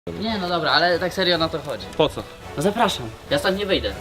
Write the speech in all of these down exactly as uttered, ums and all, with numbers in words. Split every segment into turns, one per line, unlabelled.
Nie, no dobra, ale tak serio na to chodzi.
Po co?
No zapraszam, ja stąd nie wyjdę.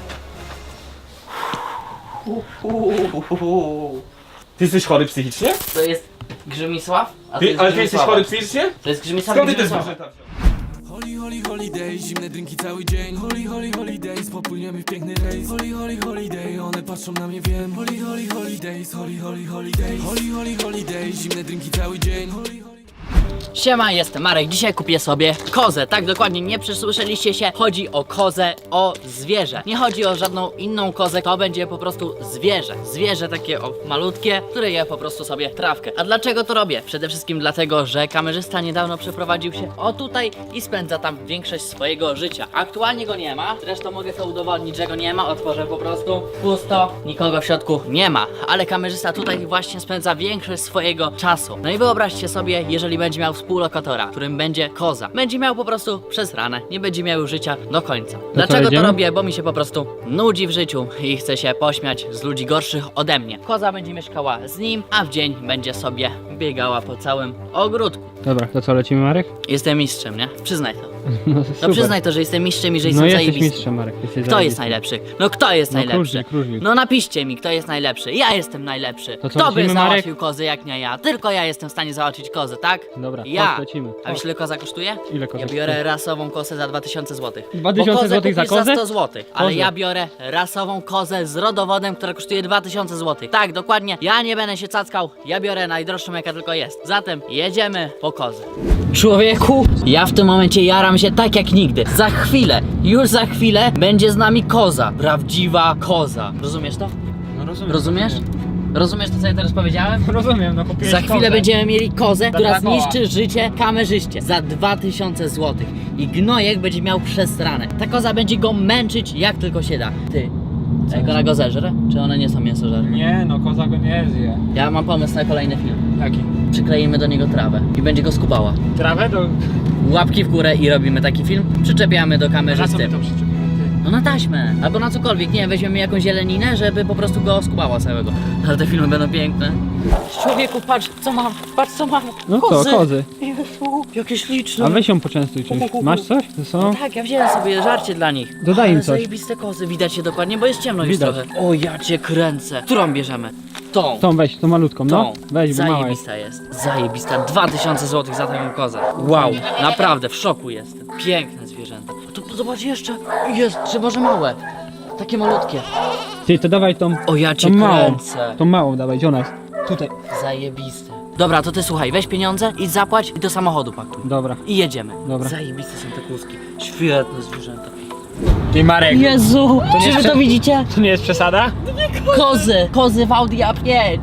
Ty jesteś chory psychicznie?
To jest Grzymisław, a to
Ty,
jest
ale ty jesteś
Grzymisława.
chory psychicznie?
To jest Grzymisław
Skąd
i
ty te
Grzymisława.
zwierzęta wziąłeś?
Holy, holy, holiday, zimne drinki cały dzień. Holy, holy, holidays, popłyniemy w piękny rejs. Holy, holy, holiday, one patrzą na mnie, wiem. Holy, holy, holidays, holy, holy, holidays. Holy, holy, holiday, zimne drinki cały dzień. Holy, holy...
Siema, jestem Marek, dzisiaj kupię sobie kozę. Tak dokładnie, nie przesłyszeliście się. Chodzi o kozę, o zwierzę. Nie chodzi o żadną inną kozę, to będzie po prostu zwierzę. Zwierzę takie o malutkie, które je po prostu sobie trawkę. A dlaczego to robię? Przede wszystkim dlatego, że kamerzysta niedawno przeprowadził się o tutaj i spędza tam większość swojego życia. Aktualnie go nie ma, zresztą mogę to udowodnić, że go nie ma. Otworzę po prostu, pusto, nikogo w środku nie ma. Ale kamerzysta tutaj właśnie spędza większość swojego czasu. No i wyobraźcie sobie, jeżeli będzie miał współlokatora, którym będzie koza. Będzie miał po prostu przez ranę, nie będzie miał życia do końca. Dlaczego to
jedziemy?
robię? Bo mi się po prostu nudzi w życiu i chcę się pośmiać z ludzi gorszych ode mnie. Koza będzie mieszkała z nim, a w dzień będzie sobie biegała po całym ogródku.
Dobra, to co, lecimy, Marek?
Jestem mistrzem, nie? Przyznaj to.
No,
No
super.
przyznaj to, że jestem mistrzem i że
No
jestem
jesteś
zajebisty.
mistrzem, Marek. Jesteś
Kto jest
zajebisty.
najlepszy? No kto jest
No,
najlepszy?
króżnik, króżnik.
No napiszcie mi, kto jest najlepszy. Ja jestem najlepszy.
To co,
Kto by
lecimy,
załatwił
Marek?
kozy jak nie ja? Tylko ja jestem w stanie załatwić kozę, tak?
Dobra,
Ja.
chodź, lecimy.
A wiesz ile koza kosztuje?
Ile koza
Ja biorę rasową kozę za dwa tysiące złotych.
dwa tysiące złotych za kozę?
za sto złotych. Ale
Kozę.
ja biorę rasową kozę z rodowodem, która kosztuje dwa tysiące złotych. Tak, dokładnie. Ja nie będę się cackał. Ja biorę najdroższą jaka tylko jest. Zatem jedziemy po kozę. Człowieku, ja w tym momencie jaram się tak jak nigdy. Za chwilę, już za chwilę będzie z nami koza. Prawdziwa koza. Rozumiesz to?
No rozumiem.
Rozumiesz? Rozumiesz to, co ja teraz powiedziałem?
Rozumiem, no kupiłeś
Za chwilę
kozę.
będziemy mieli kozę, która
dwa koła.
zniszczy życie kamerzyście za dwa tysiące złotych. I gnojek będzie miał przesrane. Ta koza będzie go męczyć jak tylko się da. Ty, jak ona go zeżre? Czy one nie są mięsożerne?
Nie, no koza go nie zje.
Ja mam pomysł na kolejny film.
Jaki?
Przykleimy do niego trawę i będzie go skubała.
Trawę do...
Łapki w górę i robimy taki film. Przyczepiamy do kamerzysty.
przyczepimy?
No na taśmę, albo na cokolwiek, nie wiem, weźmiemy jakąś zieleninę, żeby po prostu go skubała całego. Ale te filmy będą piękne. Człowieku, patrz co mam, patrz co mam.
No co, kozy.
Jezu, jakie śliczne.
A weź ją poczęstuj czymś. Masz coś ze sobą?
Tak, ja wziąłem sobie żarcie dla nich.
Dodaj im
Ale
coś.
zajebiste kozy, widać je dokładnie, bo jest ciemno już
Widać.
trochę. O, ja cię kręcę. Którą bierzemy? Tą.
Tą weź, tą malutką, no.
Tą.
Weź, bo mała jest.
Zajebista jest. Zajebista. dwa tysiące złotych za taką kozę. Wow, naprawdę w szoku jestem. Piękne zwierzęta. A tu zobacz jeszcze. Jest, czy może małe. Takie malutkie.
Ty, to dawaj tą...
O, ja cię
tą małą.
kręcę.
Tą małą dawaj, gdzie ona jest? Tutaj.
Zajebiste. Dobra, to ty słuchaj, weź pieniądze, idź zapłać i do samochodu pakuj.
Dobra.
I jedziemy.
Dobra.
Zajebiste są te kózki. Świetne zwierzęta.
Ty, Marek.
Jezu,
nie
czy wy
jest
to widzicie?
To nie jest przesada?
Kozy, kozy w Audi A pięć.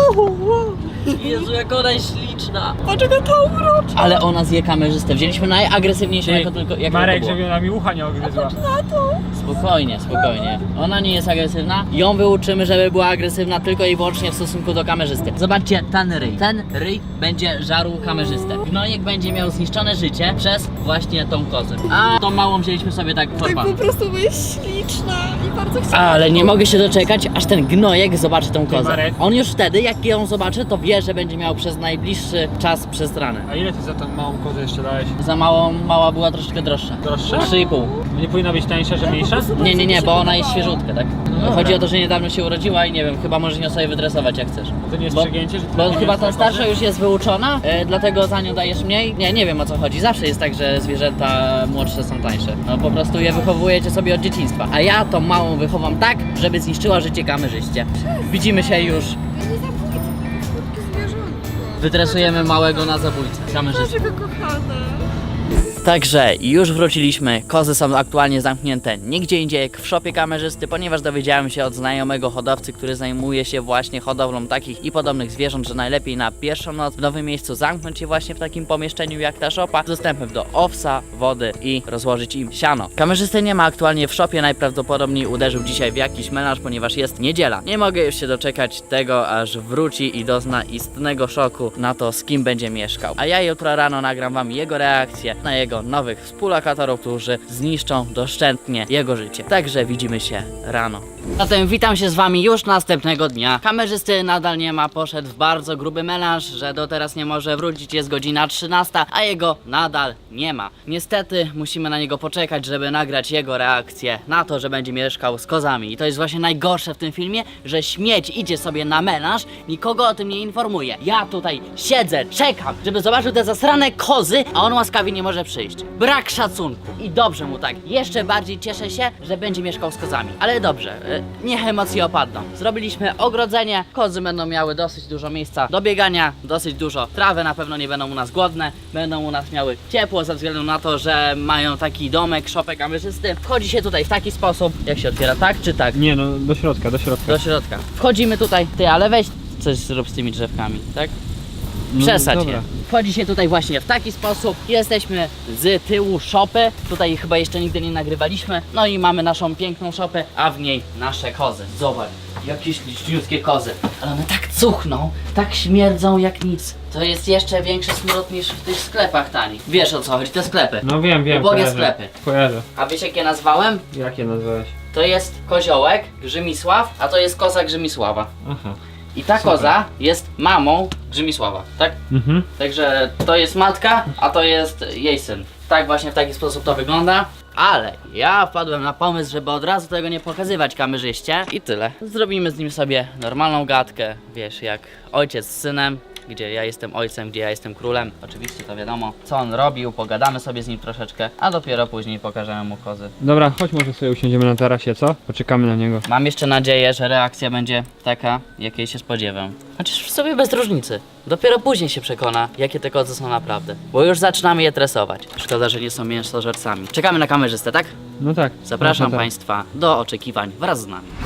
Jezu, jak ona jest śliczna. Dlaczego to urocza? Ale ona zje kamerzystę. Wzięliśmy najagresywniejszą, jako tylko jak
Marek,
tylko było.
żeby ona mi ucha nie ogryzła.
Spokojnie, spokojnie. Ona nie jest agresywna. Ją wyuczymy, żeby była agresywna tylko i wyłącznie w stosunku do kamerzysty. Zobaczcie, ten ryj. Ten ryj będzie żarł kamerzystę. Gnojek będzie miał zniszczone życie przez właśnie tą kozę. A tą małą wzięliśmy sobie tak for
Tak
fun.
po prostu, bo jest śliczna i bardzo chciałam.
Ale nie mogę się doczekać, aż ten gnojek zobaczy tą kozę.
Marek.
On już wtedy, jak ją zobaczy, to wie, że będzie miał przez najbliższy czas przestranę.
A ile ty za tą małą kozę jeszcze dałeś?
Za małą, mała była troszeczkę droższa.
Droższa?
trzy i pół.
Nie powinna być tańsza, że mniejsza?
Nie, nie, nie, bo ona jest świeżutka, tak?
dobra.
Chodzi o to, że niedawno się urodziła i nie wiem, chyba możesz ją sobie wydresować jak chcesz.
To nie jest
Bo-
przegięcie, że...
Bo chyba ta starsza już jest wyuczona, e, dlatego za nią dajesz mniej. Nie, nie wiem o co chodzi. Zawsze jest tak, że zwierzęta młodsze są tańsze. No po prostu je wychowujecie sobie od dzieciństwa. A ja tą małą wychowam tak, żeby zniszczyła życie kamerzyście. Widzimy się już.
Ja nie zabójcę, tylko słodkie zwierzątko.
Wytresujemy małego na zabójcę. Kamerzystę.
Naszego kochane.
Także już wróciliśmy, kozy są aktualnie zamknięte nigdzie indziej jak w szopie kamerzysty, ponieważ dowiedziałem się od znajomego hodowcy, który zajmuje się właśnie hodowlą takich i podobnych zwierząt, że najlepiej na pierwszą noc w nowym miejscu zamknąć je właśnie w takim pomieszczeniu jak ta szopa, z dostępem do owsa, wody i rozłożyć im siano. Kamerzysty nie ma aktualnie w szopie, najprawdopodobniej uderzył dzisiaj w jakiś melanż, ponieważ jest niedziela. Nie mogę już się doczekać tego, aż wróci i dozna istnego szoku na to, z kim będzie mieszkał. A ja jutro rano nagram wam jego reakcję na jego jego nowych współlokatorów, którzy zniszczą doszczętnie jego życie. Także widzimy się rano. Zatem witam się z wami już następnego dnia. Kamerzysty nadal nie ma, poszedł w bardzo gruby melanż, że do teraz nie może wrócić, jest godzina trzynasta, a jego nadal nie ma. Niestety musimy na niego poczekać, żeby nagrać jego reakcję na to, że będzie mieszkał z kozami. I to jest właśnie najgorsze w tym filmie, że śmieć idzie sobie na melanż, nikogo o tym nie informuje. Ja tutaj siedzę, czekam, żeby zobaczył te zasrane kozy, a on łaskawie nie może przyjść. Brak szacunku. I dobrze mu tak. Jeszcze bardziej cieszę się, że będzie mieszkał z kozami. Ale dobrze, y, niech emocje opadną. Zrobiliśmy ogrodzenie, kozy będą miały dosyć dużo miejsca do biegania, dosyć dużo trawy, na pewno nie będą u nas głodne, będą u nas miały ciepło ze względu na to, że mają taki domek, szopek kamerzysty. Wchodzi się tutaj w taki sposób, jak się otwiera, tak czy tak?
Nie no, do środka, do środka.
Do środka. Wchodzimy tutaj, ty, ale weź coś zrób z tymi drzewkami, tak? Przesadź
dobra.
je. Wchodzi się tutaj właśnie w taki sposób. Jesteśmy z tyłu szopy. Tutaj chyba jeszcze nigdy nie nagrywaliśmy. No i mamy naszą piękną szopę, a w niej nasze kozy. Zobacz, jakieś liczniutkie kozy. Ale one tak cuchną, tak śmierdzą jak nic. To jest jeszcze większy smród niż w tych sklepach tanich. Wiesz o co chodzi, te sklepy.
No wiem, wiem,
Ubogie
kojarzę.
sklepy.
Kojarzę.
A wiesz jak je nazwałem?
Jakie nazwałeś?
To jest koziołek Grzymisław, a to jest koza Grzymisława.
Aha.
I ta
Super.
koza jest mamą Grzymisława, tak?
Mhm.
Także to jest matka, a to jest jej syn. Tak właśnie w taki sposób to wygląda. Ale ja wpadłem na pomysł, żeby od razu tego nie pokazywać kamerzyście. I tyle. Zrobimy z nim sobie normalną gadkę, wiesz, jak ojciec z synem. Gdzie ja jestem ojcem, gdzie ja jestem królem. Oczywiście to wiadomo, co on robił, pogadamy sobie z nim troszeczkę, a dopiero później pokażemy mu kozy.
Dobra, chodź może sobie usiądziemy na tarasie, co? Poczekamy na niego.
Mam jeszcze nadzieję, że reakcja będzie taka, jakiej się spodziewam. Chociaż w sobie bez różnicy. Dopiero później się przekona, jakie te kozy są naprawdę. Bo już zaczynamy je tresować. Szkoda, że nie są mięsożercami. Czekamy na kamerzystę, tak?
No tak.
Zapraszam
no to tak.
Państwa do oczekiwań wraz z nami.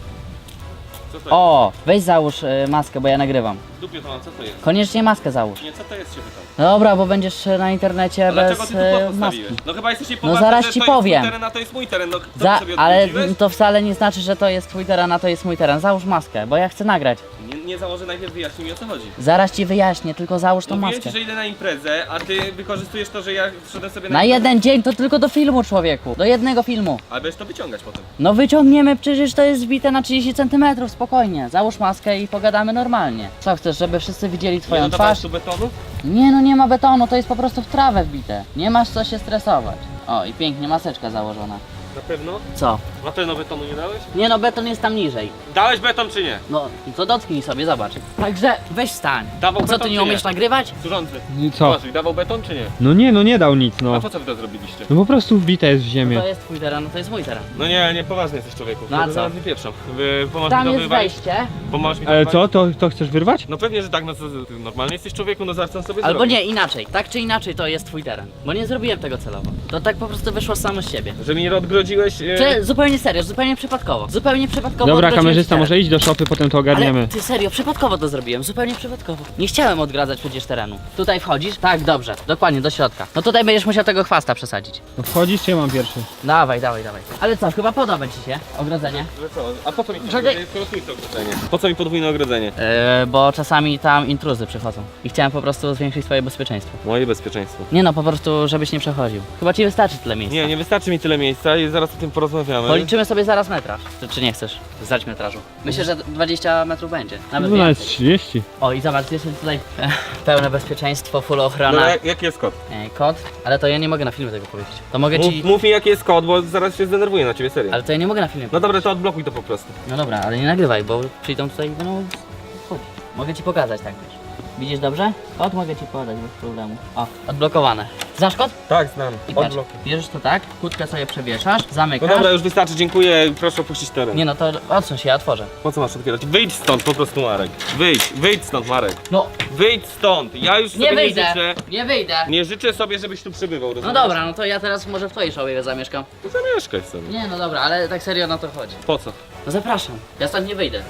Co to
O, weź załóż y, maskę, bo ja nagrywam.
jest? Dupie to mam, co to jest?
Koniecznie maskę załóż.
Nie, co to jest się pytam?
Dobra, bo będziesz y, na internecie
A dlaczego
bez
ty tu kod
y, maski.
postawiłeś? No chyba jesteś
No
niepoważny,
zaraz
że
ci
to
powiem.
jest mój teren, a to jest mój teren. No, co
Za,
ty sobie
ale
odwróciłeś?
to wcale nie znaczy, że to jest twój teren, a to jest mój teren. Załóż maskę, bo ja chcę nagrać.
Nie, nie założę, najpierw wyjaśnij mi o co chodzi.
Zaraz ci wyjaśnię, tylko załóż tą
Mówiłem
maskę.
ci, że idę na imprezę, a ty wykorzystujesz to, że ja wszedłem sobie na
Na
imprezę.
jeden dzień to tylko do filmu, człowieku. Do jednego filmu.
Ale będziesz to wyciągać potem.
No wyciągniemy, przecież to jest wbite na trzydzieści centymetrów, spokojnie. Załóż maskę i pogadamy normalnie. Co chcesz, żeby wszyscy widzieli
Nie
twoją
dodawałeś
twarz?
tu betonu?
Nie no, nie ma betonu, to jest po prostu w trawę wbite. Nie masz co się stresować. O, i pięknie maseczka założona.
Na pewno?
Co?
Na pewno betonu nie dałeś?
Nie no, beton jest tam niżej.
Dałeś beton czy nie?
No, to dotknij sobie, zobacz. Także weź stań.
Dawał
Co,
beton,
ty nie
czy
umiesz
nie?
nagrywać?
Służący.
I co?
Uważaj, dawał beton czy nie?
No nie, no nie dał nic,
A
no.
po co wy to zrobiliście?
No po prostu wbite jest w ziemię.
To jest twój teren, no to jest mój teren.
No nie, nie, poważny jesteś człowieku.
No a
To
co?
zaraz wypieprzą. Wy, pomoż mi
Tam
to
jest
wywalić?
wejście.
Pomoż mi to
Ale
wywalić?
co, to, to chcesz wyrwać?
No pewnie, że tak, no co, ty normalnie jesteś człowieku, no zaraz co on sobie
Albo
zrobi.
nie, inaczej. Tak czy inaczej to jest twój teren. Bo nie zrobiłem tego celowo. To tak po prostu wyszło samo z siebie.
Że mi nie odgrodziłeś... E...
Czy zupełnie serio, zupełnie przypadkowo. Zupełnie przypadkowo.
Dobra,
odwróciłem
kamerzysta,
teren.
może iść do szopy, potem to ogarniemy.
Ale ty serio, przypadkowo to zrobiłem, zupełnie przypadkowo. Nie chciałem odgradzać przecież terenu. Tutaj wchodzisz? Tak, dobrze, dokładnie, do środka. No tutaj będziesz musiał tego chwasta przesadzić.
No wchodzisz, czy ja mam pierwszy?
Dawaj, dawaj, dawaj. Ale co, chyba podoba ci się ogrodzenie?
Że co? A po co mi
Czekaj.
podwójne ogrodzenie? Po co mi podwójne ogrodzenie?
Yy, bo czasami tam intruzy przychodzą. I chciałem po prostu zwiększyć swoje bezpieczeństwo.
Moje bezpieczeństwo.
Nie no, po prostu, żebyś nie przechodził. Chyba ci wystarczy tyle miejsca.
Nie, nie wystarczy mi tyle miejsca i zaraz o tym porozmawiamy.
Policzymy sobie zaraz metraż. Czy, czy nie chcesz zdać metrażu? Myślę, że dwadzieścia metrów będzie. Nawet
No nawet
więcej.
trzydzieści.
O i zobacz, jest tutaj e, pełne bezpieczeństwo, full ochrona.
No, jak, jaki jest kod?
E, kod, ale to ja nie mogę na filmie tego powiedzieć. To mogę
Mów,
ci...
mów mi jaki jest kod, bo zaraz się zdenerwuję na ciebie, serio.
Ale to ja nie mogę na filmie.
No dobra, to odblokuj to po prostu.
No dobra, ale nie nagrywaj, bo przyjdą tutaj i będą... Chodź. Mogę ci pokazać tak wiesz. Widzisz dobrze? Kod mogę ci podać bez problemu. O, odblokowane. Znasz kod?
Tak, znam.
I patrz,
Odblokuj.
bierzesz to tak, kłódkę sobie przewieszasz,
No
zamykasz.
dobra, już wystarczy, dziękuję, proszę opuścić teren.
Nie no, to odsuń się, ja otworzę.
Po co masz otwierać? Wyjdź stąd po prostu, Marek. Wyjdź, wyjdź stąd, Marek.
No,
Wyjdź stąd. Ja już
nie
sobie
wyjdę,
nie życzę.
nie wyjdę.
Nie życzę sobie, żebyś tu przebywał,
No
rozumiesz?
dobra, no to ja teraz może w twojej szopie zamieszkam.
To zamieszkaj sobie.
Nie no dobra, ale tak serio na to chodzi.
Po co?
No zapraszam, ja stąd nie wyjdę.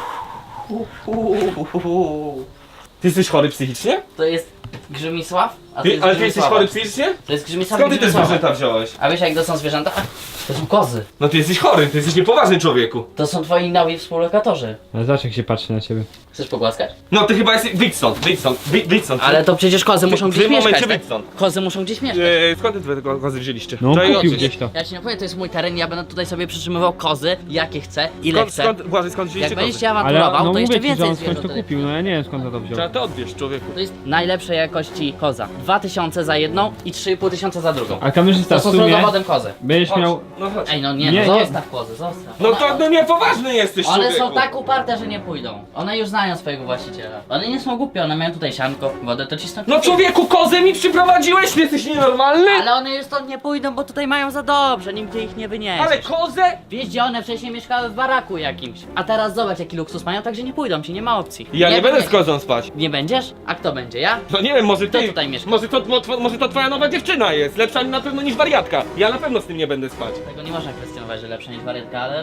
Ty jesteś chory psychicznie?
To jest Grzymisław, a A
Ty,
jest
ale ty jesteś
Grzmisława.
chory fizycznie?
To jest Grzmisława.
Skąd ty te
Grzmisława.
zwierzęta wziąłeś?
A wiesz jak to są zwierzęta? To są kozy.
No ty jesteś chory, ty jesteś niepoważny człowieku.
To są twoi nowi współlokatorzy.
Ale zobacz jak się patrzy na ciebie.
Chcesz pogłaskać?
No ty chyba jesteś... Wyjdź stąd, wyjdź stąd, wyjdź, wyjdź stąd.
Ale to przecież kozy
w-
muszą
w
gdzieś
tym momencie
mieszkać,
wyjdź
tak?
stąd.
Kozy muszą gdzieś mieszkać.
Eee, skąd ty te kozy wzięliście?
No on
Czekaj,
kupił
oczy.
gdzieś to.
Ja ci nie powiem, to jest mój teren, ja będę tutaj sobie przytrzymywał kozy, jakie chcę, ile
Skąd,
chcę.
skąd, Błażej, skąd
Jak
wzięliście
będziesz
kozy?
się
Ale
awanturował,
no
to jeszcze
mówię ci, że
więcej
on skądś
zwierząt
to
tutaj
kupił, no ja nie wiem skąd to wziął.
Trzeba to odbierz, człowieku.
To jest najlepszej jakości koza. dwa tysiące za jedną i trzy i pół tysiąca za drugą.
A kamerzysta
To
w
są z
sumie
rodowodem kozy.
będziesz
Chodź,
miał...
no chodź.
Ej, no nie,
Nie,
no
nie.
zostaw kozy, zostaw.
No
One-
to no niepoważny jesteś,
One
człowieku.
są tak uparte, że nie pójdą. One już znają swojego właściciela. One nie są głupie, one mają tutaj sianko, wodę, to cisną.
No człowieku, kozę mi przyprowadziłeś, ty jesteś nienormalny?
Ale one już stąd nie pójdą, bo tutaj mają za dobrze, nigdzie ich nie wyniesie.
Ale kozę?
Wiesz, gdzie one wcześniej mieszkały w baraku jakimś. A teraz zobacz jaki luksus mają, także nie pójdą ci, nie ma opcji.
Ja nie, będę z
wyniesie-
kozą spać.
Nie będziesz? A kto będzie? Ja?
No nie wiem, może
Kto
ty.
tutaj mieszka?
Może to, mo, może to twoja nowa dziewczyna jest. Lepsza na pewno niż wariatka. Ja na pewno z tym nie będę spać.
Tego nie można kwestionować, że lepsza niż wariatka, ale...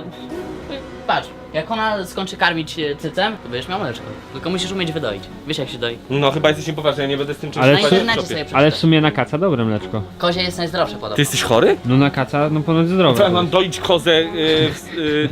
Patrz, jak ona skończy karmić e, cycem, to będziesz miał mleczko. Tylko musisz umieć wydoić. Wiesz jak się doi?
No chyba jesteś niepoważny, ja nie będę z tym czymś
Ale
Na
spać
czy-
w
internecie
szopie.
sobie
Ale w
przeczytaj.
sumie na kaca dobre mleczko.
Kozie jest najzdrowsze podobno.
Ty jesteś chory?
No na kaca, no ponoć zdrowe.
Co ja mam doić kozę? Yy, yy,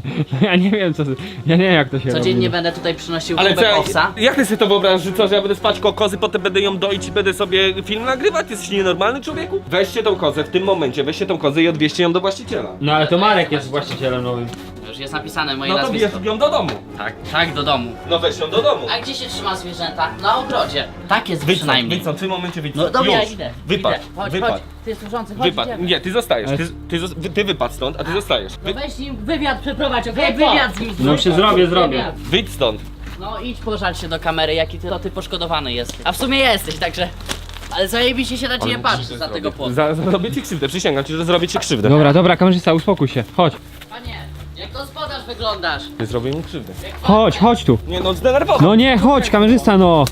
Ja nie wiem co... Ja nie wiem jak to się
Codziennie
robi.
będę tutaj przynosił
ale co,
kubek
ja,
owsa.
jak ty sobie to wyobrażasz, że co, że ja będę spać koło kozy, potem będę ją doić i będę sobie film nagrywać? Ty jesteś nienormalny, człowieku? Weźcie tą kozę w tym momencie, weźcie tą kozę i odwieźcie ją do właściciela.
No ale to Marek jest właścicielem nowym.
Już jest napisane moje
No to
nazwisko.
bierz ją do domu.
Tak, tak, do domu.
No weź ją do domu.
A gdzie się trzyma zwierzęta? Na ogrodzie. Tak jest
Wyjdź stąd,
przynajmniej.
wyjdź stąd, w tym momencie wyjdź
No
stąd.
dobra, ja
Już.
idę.
Wypadł,
idę. Chodź,
wypadł.
chodź. Ty służący, chodź,
Wypadł.
idziemy.
Nie, ty zostajesz.
Ale-
Ty, ty, zos- wy- ty wypadł stąd, a ty zostajesz. Wy,
No weź im wywiad przeprowadź, okej? Wywiad z nim
No się zrobię, zrobię.
Wywiad.
wyjdź stąd.
No idź pożal się do kamery, jaki ty, to ty poszkodowany jest. A w sumie jesteś, także... Ale zajebiście się na ciebie patrzy za tego płotu.
Za, zrobię ci krzywdę, przysięgam ci, że zrobię ci krzywdę.
Dobra, dobra, kamerzysta, uspokój się. Chodź,
Panie, jak gospodarz wyglądasz?
Ty zrobię mi krzywdę.
chodź, chodź tu.
Nie no, zdenerwował.
No nie, chodź, kamerzysta, no.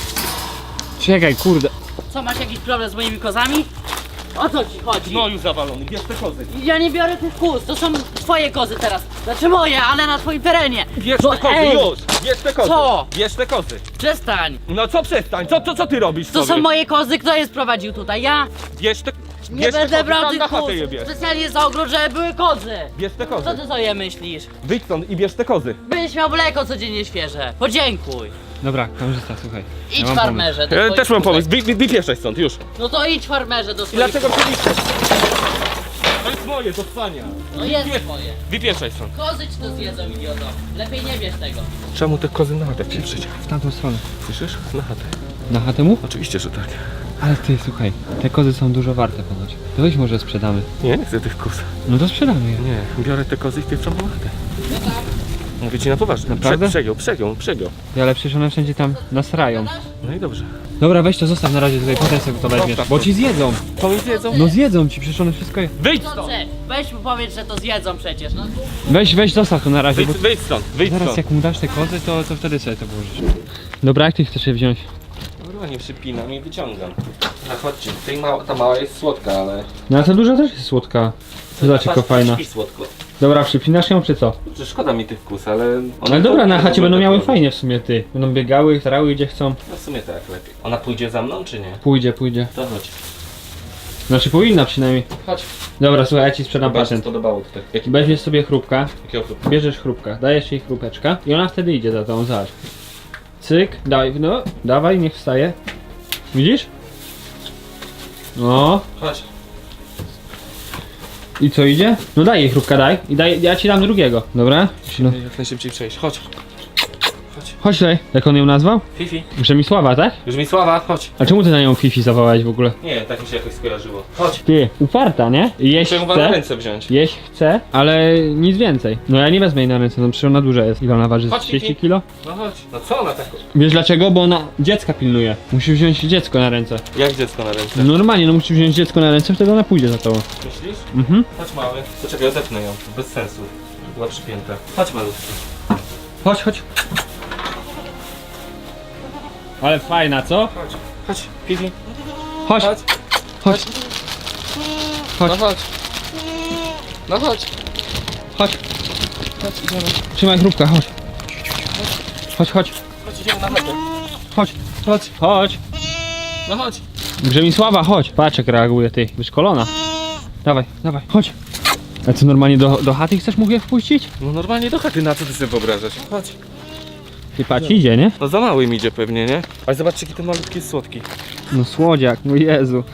Czekaj, kurde.
Co, masz jakiś problem z moimi kozami? O co ci chodzi?
No już zawalony, bierz te kozy.
Ja nie biorę tych kóz, to są twoje kozy teraz. Znaczy moje, ale na twoim terenie.
Bierz
No,
te kozy,
ej,
już! Bierz te kozy!
Co?
Bierz te kozy!
Przestań.
No co przestań? Co, co, co ty robisz
To
sobie?
są moje kozy, kto je sprowadził tutaj? Ja?
Bierz te...
Nie
bierz te
będę
kozy,
brał
tam
tych
na chatę
kóz.
je bierz.
Specjalnie za ogród, żeby były kozy.
Bierz te kozy.
Co ty sobie myślisz?
Wyjdź stąd i bierz te kozy.
Byś miał mleko codziennie świeże. Podziękuj.
Dobra, kamerzysta, słuchaj.
Idź
Ja mam
farmerze. do
Ja
swoich
też mam
kózek.
pomysł, wy, wy, wypieszaj stąd, już.
No to idź farmerze do
I
swoich
dlaczego
kózek.
przyjdziesz? To jest moje, to spania.
No jest moje.
Wypieszaj stąd.
Kozy ci to zjedzą, idioto. Lepiej nie bierz tego.
Czemu te kozy na chatę pieprzyć?
W tamtą stronę.
Słyszysz? Na chatę.
Na chatę mu?
Oczywiście, że tak.
Ale ty, słuchaj, te kozy są dużo warte ponoć. To weź może sprzedamy.
Nie, nie chcę tych koz.
No to sprzedamy je.
Nie, biorę te kozy i wpieprzam na chatę. Mówię ci na poważnie.
Naprawdę?
Prze, przegiął, przegiął, przegiął.
Ale przecież one wszędzie tam nasrają.
No i dobrze.
Dobra, weź to zostaw na razie tutaj, potem sobie to weźmiesz.
Zostaw
Bo
to.
ci zjedzą.
To mi zjedzą?
No zjedzą ci, przecież one wszystko je...
Wyjdź stąd!
Chcący, weź mu powiedz, że to zjedzą przecież. No,
Weź, weź, zostaw to na razie,
Wyjdź,
bo
wyjdź stąd, wyjdź
zaraz
stąd.
jak mu dasz te kozy, to, to wtedy sobie to położysz. Dobra, jak ty chcesz je wziąć?
Dobra, nie przypinam i wyciągam. No chodźcie, tej mała, ta mała jest słodka, ale...
No ale ta duża też jest słodka. Zobacz, jaka fajna.
I słodko.
Dobra, przypinasz ją czy co?
Że szkoda mi tych kus, ale... one
Ale dobra, na
to-
chacie
to-
będą
to-
miały fajnie w sumie ty. Będą biegały, tarały gdzie chcą.
No w sumie tak lepiej. Ona pójdzie za mną, czy nie?
Pójdzie, pójdzie.
To chodź.
Znaczy powinna przynajmniej.
Chodź.
Dobra, słuchaj, ja ci sprzedam
Chyba się
patent.
spodobało tutaj. Jaki
Weźmiesz sobie chrupka,
Jakiego chłopu?
bierzesz chrupka, dajesz jej chrupeczka i ona wtedy idzie za tą, zobacz. Cyk, daj, no, dawaj, niech wstaje. Widzisz? No,
Chodź.
i co idzie? No daj jej chrupka, daj. I daj, ja ci dam drugiego, dobra? No.
Jak najszybciej przejść. Chodź.
Chodź tutaj, jak on ją nazwał?
Fifi.
Przemysława, tak?
Już mi sława, chodź.
A czemu ty na nią Fifi zawołałeś w ogóle?
Nie, tak mi się jakoś skojarzyło. Chodź.
Ty, uparta, nie? Jeść
Muszę ją na
chce,
ręce wziąć.
jeść chce, ale nic więcej. No ja nie wezmę jej na ręce, no przecież ona duża jest. Ile ona waży?
Chodź,
trzydzieści
Fifi.
kilo?
No chodź. No co ona tak...
Wiesz dlaczego? Bo ona dziecka pilnuje. Musi wziąć dziecko na ręce.
Jak dziecko na ręce?
Normalnie, no musi wziąć dziecko na ręce, wtedy ona pójdzie za tobą.
Myślisz?
Mhm.
Chodź mały. To czekaj, odepnę ją. Bez sensu. Była przypięta. Chodź malutki.
Chodź, chodź. Ale fajna, co?
Chodź. Chodź. Fifi.
Chodź,
Chodź.
chodź.
No
Chodź,
chodź. No chodź.
chodź.
Chodź, idziemy.
Trzymaj chrupka, chodź. Chodź, chodź.
Chodź, idziemy na chatę.
Chodź,
Chodź.
chodź.
No chodź.
Grzemisława, chodź. Patrz jak reaguje, ty. Wyszkolona. Dawaj, dawaj, chodź. A co, normalnie do, do chaty chcesz mu je wpuścić?
No normalnie do chaty, na co ty sobie wyobrażasz? Chodź.
Ty patrz, idzie, nie?
No za mały mi idzie pewnie, nie? Ale zobaczcie, jaki ten malutki jest słodki.
No słodziak, no Jezu.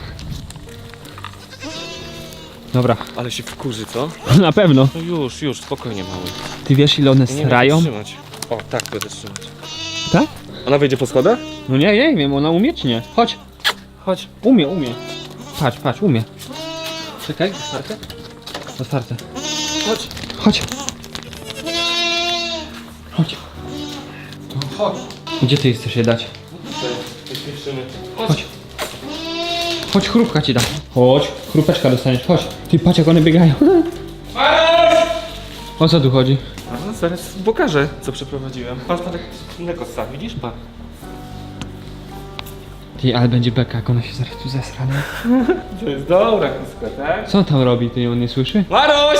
Dobra,
Ale się wkurzy, co?
na pewno.
No już, już, spokojnie mały.
Ty wiesz ile one
Nie będę
srają?
trzymać. O, tak będę trzymać.
Tak?
Ona wejdzie po schodach?
No nie, nie wiem, ona umie czy nie? Chodź.
Chodź.
Umie, umie. Patrz, patrz, umie. Czekaj, otwarte? Otwarte.
Chodź.
Chodź. Chodź.
No, chodź.
Gdzie ty chcesz je dać?
Wyśmieszymy.
Chodź. Chodź, chrupka ci dam. Chodź, chrupeczka dostaniesz, chodź. Ty patrz jak one biegają. O co tu chodzi?
A no, zaraz pokażę, co przeprowadziłem. Patrz, patrz, inne kosa, widzisz? Pa.
Ty, ale będzie beka, jak ona się zaraz tu zesra, nie?
To jest dobra kuska, tak?
Co on tam robi, ty on nie słyszy?
Maruś!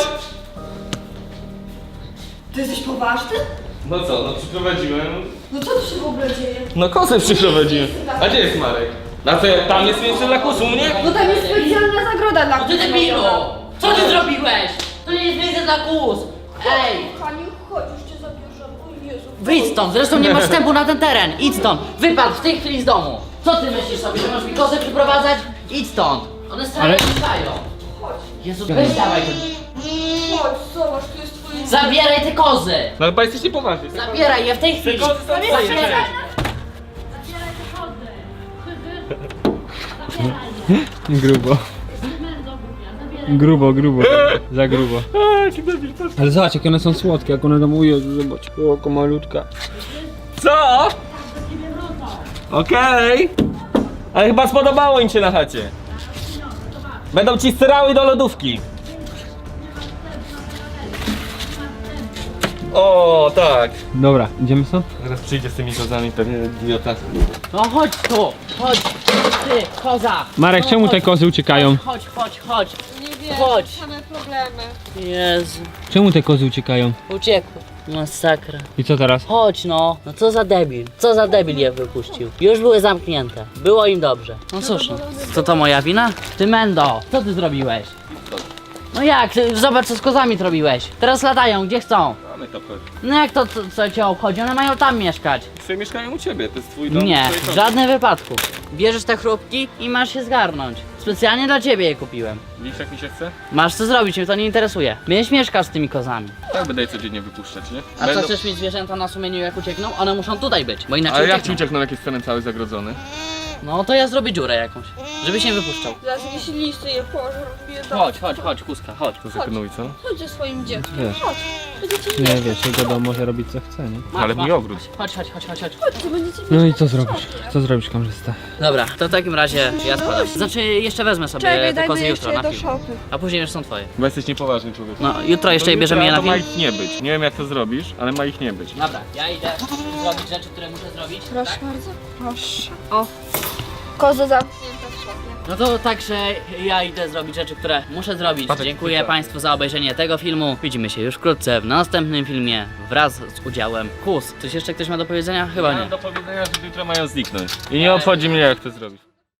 Ty jesteś poważny?
No co, no przyprowadziłem.
No co tu się w ogóle dzieje?
No kosę przyprowadziłem. A gdzie jest Marek? A co, tam jest miejsce dla kus u mnie?
No tam jest specjalna zagroda dla
No ty debilu! Co ty zrobiłeś? To nie jest miejsce dla kus! Ej!
Kochani, chodź, już cię zabierzę. O Jezu.
Wyjdź stąd, zresztą nie masz wstępu na ten teren. Idź stąd, wypadł w tej chwili z domu. Co ty myślisz sobie, że masz mi kozę przyprowadzać? Idź stąd. One stale
Ale-
mieszkają. Jezu, weź dawaj ten.
Chodź, zobacz, tu jest twoje...
Zabieraj te kozy!
No chyba jesteś niepoważny.
Zabieraj je w tej chwili!
kozy są twoje.
Zabieraj!
Grubo. Grubo, grubo. Za grubo. Ale zobacz, jak one są słodkie, jak one tam ują, zobacz, oko malutka.
Co? Okej. Ale chyba spodobało im się na chacie. Będą ci styrały do lodówki. O, tak.
Dobra, idziemy stąd?
Zaraz przyjdzie z tymi kozami, pewnie idiota.
No chodź tu! Chodź! Ty, koza!
Marek,
No,
czemu te
chodź.
kozy uciekają?
Chodź, chodź, chodź!
Nie wiem,
Chodź.
same problemy.
Jezu,
Czemu te kozy uciekają?
uciekły. Masakra.
I co teraz?
Chodź no. No co za debil. Co za debil je wypuścił. Już były zamknięte. Było im dobrze. No cóż, no. Co to moja wina? Ty Mendo, co ty zrobiłeś? No jak? Ty, zobacz co z kozami zrobiłeś. Teraz latają, gdzie chcą.
Mamy to chodzi.
No jak to, co, co cię obchodzi? One mają tam mieszkać.
Sobie mieszkają u ciebie, to jest twój dom.
Nie,
twoje
w
kozy.
żadnym wypadku. Bierzesz te chrupki i masz się zgarnąć. Specjalnie dla ciebie je kupiłem.
Widzisz jak mi się chce?
Masz co zrobić, mnie to nie interesuje. Będziesz mieszkał z tymi kozami.
Tak będę je codziennie wypuszczać, nie?
A
Będą-
co chcesz mieć zwierzęta na sumieniu jak uciekną? One muszą tutaj być, bo inaczej
Ale jak ci
uciekną.
uciekną, jak jest teren cały zagrodzony?
No to ja zrobię dziurę jakąś, żebyś nie wypuszczał.
Zaraz jakieś listy je pożrą, biedą.
Chodź, chodź, chodź, kuska, chodź.
To zakonuj, co?
Chodź ze swoim dzieckiem,
Wiesz.
chodź. Będziecie
Nie
mieć.
wiesz, jego dom może robić co chce, nie?
Masz,
Ale
masz.
mój ogród.
Chodź, chodź, chodź, chodź, chodź.
Chodź, to będziecie mieć.
No i co zrobisz? Co zrobisz, kamerzysta?
Dobra, to w takim razie ja składam. Znaczy jeszcze wezmę sobie
Czekaj,
te
dajmy
kozy
jeszcze
jutro
je
na
do
film.
szopy.
A później już są twoje.
Bo jesteś niepoważny człowiek.
No jutro jeszcze je
To
bierzemy je na
to ma
film.
ich nie być. Nie wiem jak to zrobisz, ale ma ich nie być.
Dobra, ja idę zrobić rzeczy, które muszę zrobić.
Proszę
Tak?
bardzo. Proszę. O. Koza zamknięta w szopie.
No to także ja idę zrobić rzeczy, które muszę zrobić.
Patrz,
Dziękuję
tak.
Państwu za obejrzenie tego filmu. Widzimy się już wkrótce w następnym filmie wraz z udziałem Kus. Coś jeszcze ktoś ma do powiedzenia? Chyba
Mam
nie.
do powiedzenia, że jutro mają zniknąć. I nie obchodzi mnie jak to zrobisz.